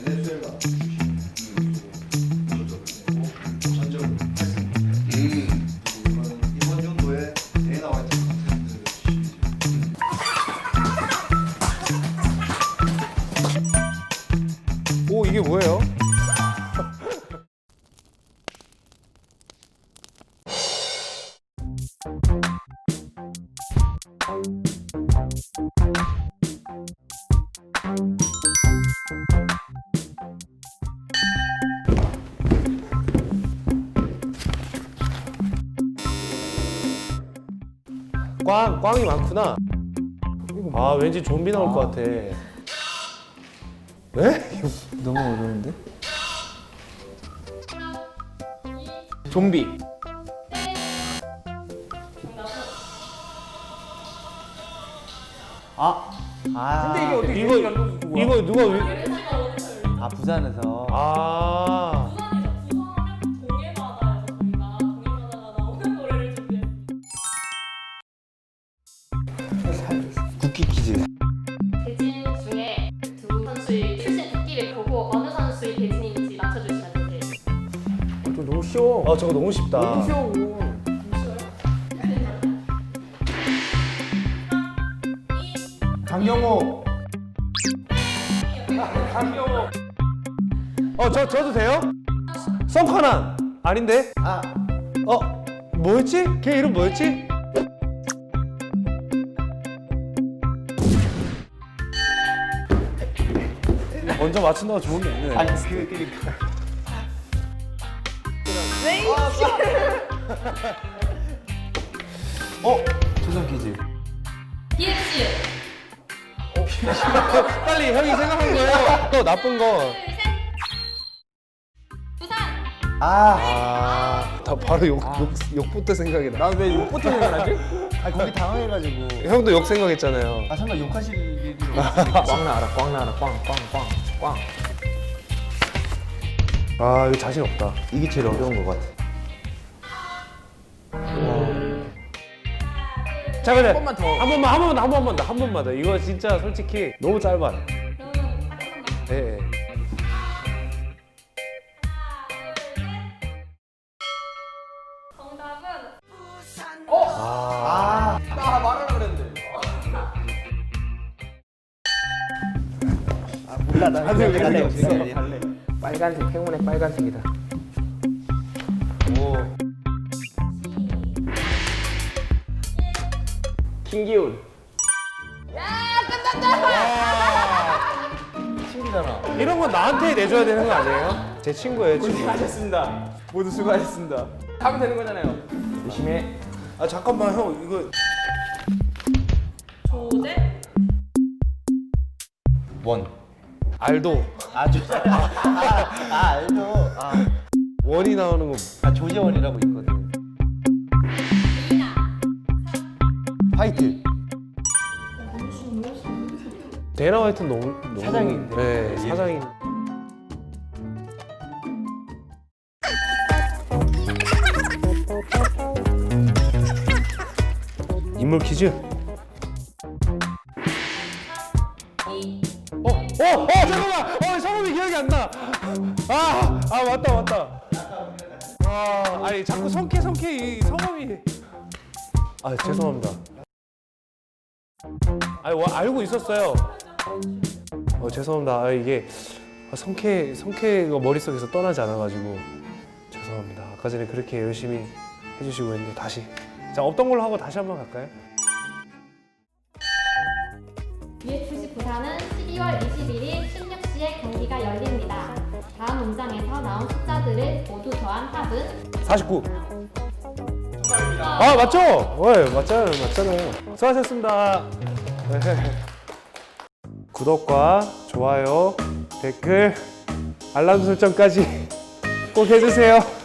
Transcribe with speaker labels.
Speaker 1: 베네수엘라 전적으로 8승. 이번 정도에 대회 나와 있던 컨텐츠 주시면
Speaker 2: 오, 이게 뭐예요? 꽝이 많구나. 아, 왠지 좀비 나올 것 같아. 네?
Speaker 3: 너무 어려운데?
Speaker 2: 좀비.
Speaker 3: 근데 이게 어떻게
Speaker 2: 이거 누가
Speaker 3: 부산에서
Speaker 2: 아.
Speaker 4: 부산하면 동해바다에서 저희가 동해바다가 나오는 노래를 준비했습니다.
Speaker 3: 국기 퀴즈.
Speaker 4: 대진 중에 두 선수의 출신 국기를 보고 어느 선수의 대진인지 맞춰주시면 돼요.
Speaker 3: 저 너무 쉬워.
Speaker 2: 저거 너무 쉽다.
Speaker 3: 너무 쉬워. 강경호.
Speaker 2: 저도 돼요? 성카난 아닌데? 뭐였지? 걔 이름 뭐였지? 먼저 맞춘다고 좋은 게 있네.
Speaker 3: 아니 그러니까. 조선 퀴즈.
Speaker 4: DX
Speaker 2: 빨리 형이 생각한 거예요. 또 나쁜 거.
Speaker 4: 부산
Speaker 2: 나 바로 욕부터 생각이 나.
Speaker 3: 난왜 욕부터 생각하지? 아 거기 당황해가지고.
Speaker 2: 형도 욕 생각했잖아요.
Speaker 3: 설마 욕하실 일이 없으니까. 꽝 나와라 꽝.
Speaker 2: 이거 자신 없다.
Speaker 3: 이게 제일 어려운 것 같아.
Speaker 2: 자, 그래.
Speaker 3: 번만 더.
Speaker 2: 한 번만 더. 이거 진짜 솔직히 너무 짧아.
Speaker 4: 그러면 딱 한번 더.
Speaker 2: 예.
Speaker 4: 정답은
Speaker 3: 나 말하려고 그랬는데. 몰라 나 갈래.
Speaker 5: 빨간색 행운의 빨간색이다. 김기훈.
Speaker 3: 친구잖아.
Speaker 2: 이런 건 나한테 내줘야 되는 거 아니에요? 제 친구예요, 친구.
Speaker 5: 수고하셨습니다. 모두 수고하셨습니다. 하면 되는 거잖아요. 열심히 해.
Speaker 2: 잠깐만, 형. 이거
Speaker 4: 조제
Speaker 3: 원.
Speaker 2: 알도.
Speaker 3: 알죠.
Speaker 2: 원이 나오는 거.
Speaker 3: 조재원이라고 있거든.
Speaker 4: 이나
Speaker 3: 화이트.
Speaker 2: 데나 화이트 너무
Speaker 3: 사장인데.
Speaker 2: 네, 사장인. 인물 퀴즈. 잠깐만. 성함이 기억이 안 나. 맞다. 아니 자꾸 성캐 이 성함이. 죄송합니다. 알고 있었어요. 죄송합니다. 이게 성캐가 머릿속에서 떠나지 않아가지고 죄송합니다. 아까 전에 그렇게 열심히 해주시고 했는데 다시. 자, 없던 걸로 하고 다시 한번 갈까요?
Speaker 4: UFC 부산은 12월 21일 16시에 경기가 열립니다. 다음 문장에서 나온 숫자들을 모두 더한 합은
Speaker 2: 49. 맞죠? 네, 맞잖아요. 수고하셨습니다. 네. 구독과 좋아요, 댓글, 알람 설정까지 꼭 해주세요.